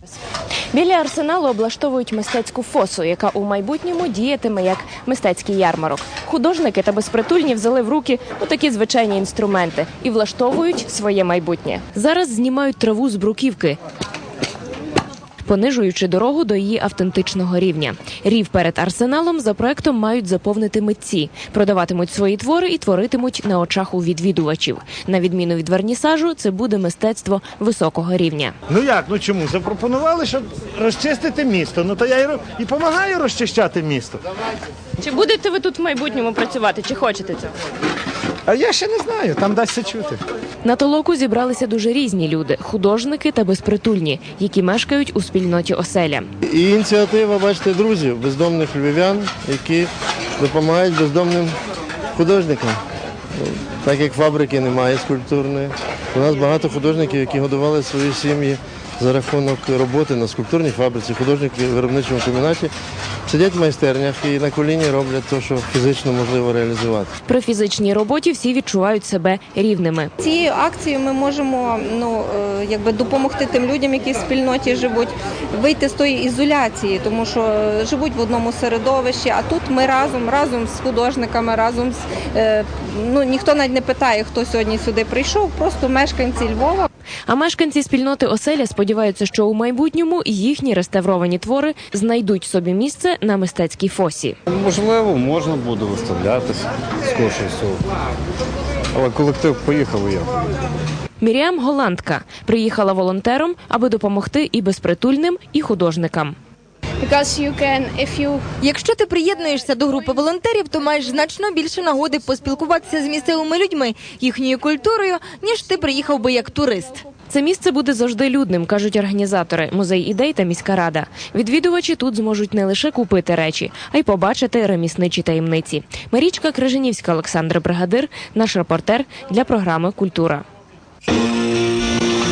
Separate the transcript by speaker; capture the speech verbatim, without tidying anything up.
Speaker 1: Біля арсеналу облаштовують мистецьку фосу, яка у майбутньому діятиме як мистецький ярмарок. Художники та безпритульні взяли в руки отакі звичайні інструменти і влаштовують своє майбутнє. Зараз знімають траву з бруківки, понижуючи дорогу до її автентичного рівня. Рів перед арсеналом за проектом мають заповнити митці. Продаватимуть свої твори і творитимуть на очах у відвідувачів. На відміну від вернісажу, це буде мистецтво високого рівня.
Speaker 2: Ну як, ну чому? Запропонували, щоб розчистити місто. Ну то я і, і допомагаю розчищати місто.
Speaker 1: Чи будете ви тут в майбутньому працювати, чи хочете цього?
Speaker 2: А я ще не знаю, там дасться чути.
Speaker 1: На толоку зібралися дуже різні люди – художники та безпритульні, які мешкають у спільноті оселя.
Speaker 3: І ініціатива, бачите, друзів, бездомних львів'ян, які допомагають бездомним художникам. Так як фабрики немає скульптурної, у нас багато художників, які годували свої сім'ї за рахунок роботи на скульптурній фабриці, художники в виробничому комбінаті, сидять в майстернях і на коліні роблять те, що фізично можливо реалізувати.
Speaker 1: При фізичній роботі всі відчувають себе рівними.
Speaker 4: Цією акцією ми можемо ну, якби допомогти тим людям, які в спільноті живуть, вийти з тої ізоляції, тому що живуть в одному середовищі, а тут ми разом, разом з художниками, разом з... Ну, ніхто навіть не питає, хто сьогодні сюди прийшов, просто мешканці Львова.
Speaker 1: А мешканці спільноти оселя сподіваються, що у майбутньому їхні реставровані твори знайдуть собі місце на мистецькій фосі.
Speaker 5: Можливо, можна буде виставлятися, скоріше всього. Але колектив поїхав і я.
Speaker 1: Міріам – голландка. Приїхала волонтером, аби допомогти і безпритульним, і художникам.
Speaker 6: Якщо ти приєднуєшся до групи волонтерів, то маєш значно більше нагоди поспілкуватися з місцевими людьми, їхньою культурою, ніж ти приїхав би як турист.
Speaker 1: Це місце буде завжди людним, кажуть організатори, музей ідей та міська рада. Відвідувачі тут зможуть не лише купити речі, а й побачити ремісничі таємниці. Марічка Крижанівська, Олександр Бригадир, наш репортер для програми «Культура».